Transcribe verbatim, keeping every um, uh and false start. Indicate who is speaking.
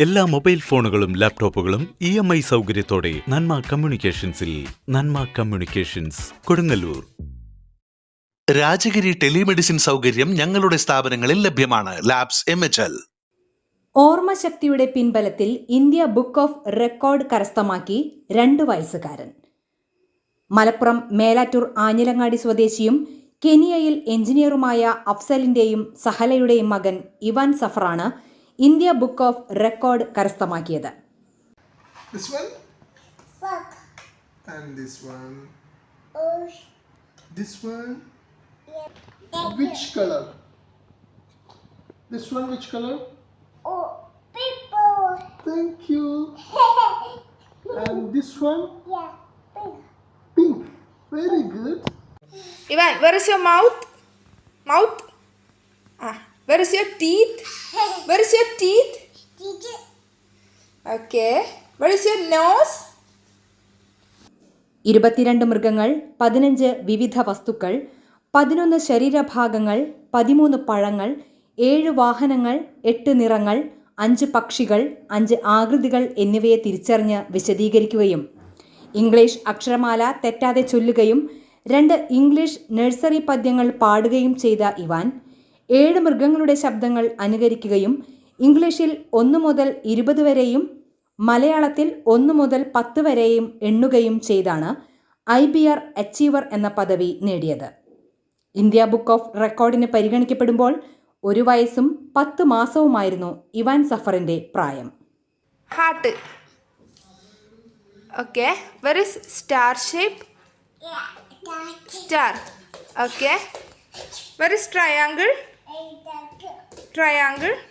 Speaker 1: എല്ലാ മൊബൈൽ ഫോണുകളും ലാപ്ടോപ്പുകളും ഇ എം ഐ സൗകര്യത്തോടെ നന്മ കമ്മ്യൂണിക്കേഷൻസിൽ. നന്മ കമ്മ്യൂണിക്കേഷൻസ്, കൊടുങ്ങല്ലൂർ.
Speaker 2: രാജഗിരി ടെലിമെഡിസിൻ സൗകര്യം ഞങ്ങളുടെ സ്ഥാപനങ്ങളിൽ ലഭ്യമാണ്. Labs M H L.
Speaker 3: ഓർമ്മശക്തിയുടെ പിൻബലത്തിൽ ഇന്ത്യ ബുക്ക് ഓഫ് റെക്കോർഡ് കരസ്ഥമാക്കി രണ്ടു വയസ്സുകാരൻ. മലപ്പുറം മേലാറ്റൂർ ആഞ്ഞിലങ്ങാടി സ്വദേശിയും കെനിയയിൽ എഞ്ചിനീയറുമായ അഫ്സലിന്റെയും സഹലയുടെയും മകൻ ഇവാൻ സഫറാണ് ഇന്ത്യ ബുക്ക് ഓഫ് റെക്കോർഡ് കരസ്ഥമാക്കിയത്.
Speaker 4: This one? Fuck. And this one? Oh. This one? Yeah. Which color? This one which color? Oh, purple. Thank you. And this one? Yeah, pink. Pink. Very good.
Speaker 5: Ivan, where is your mouth? Mouth? Ah, where is your teeth? Where is your teeth? Teeth. Okay. Where is your nose?
Speaker 3: ഇരുപത്തിരണ്ട് മൃഗങ്ങൾ, പതിനഞ്ച് വിവിധ വസ്തുക്കൾ, പതിനൊന്ന് ശരീരഭാഗങ്ങൾ, പതിമൂന്ന് പഴങ്ങൾ, ഏഴ് വാഹനങ്ങൾ, എട്ട് നിറങ്ങൾ, അഞ്ച് പക്ഷികൾ, അഞ്ച് ആകൃതികൾ എന്നിവയെ തിരിച്ചറിഞ്ഞ് വിശദീകരിക്കുകയും ഇംഗ്ലീഷ് അക്ഷരമാല തെറ്റാതെ ചൊല്ലുകയും രണ്ട് ഇംഗ്ലീഷ് നഴ്സറി പദ്യങ്ങൾ പാടുകയും ചെയ്ത ഇവാൻ ഏഴ് മൃഗങ്ങളുടെ ശബ്ദങ്ങൾ അനുകരിക്കുകയും ഇംഗ്ലീഷിൽ ഒന്ന് മുതൽ ഇരുപത് വരെയും മലയാളത്തിൽ ഒന്ന് മുതൽ പത്ത് വരെയും എണ്ണുകയും ചെയ്താണ് ഐ ബി ആർ അച്ചീവർ എന്ന പദവി നേടിയത്. ഇന്ത്യ ബുക്ക് ഓഫ് റെക്കോർഡിന് പരിഗണിക്കപ്പെടുമ്പോൾ ഒരു വയസ്സും പത്ത് മാസവുമായിരുന്നു ഇവാൻ സഫറിന്റെ പ്രായം.
Speaker 5: Heart. Okay. Where is star shape? Star. Okay. Where is triangle? Triangle.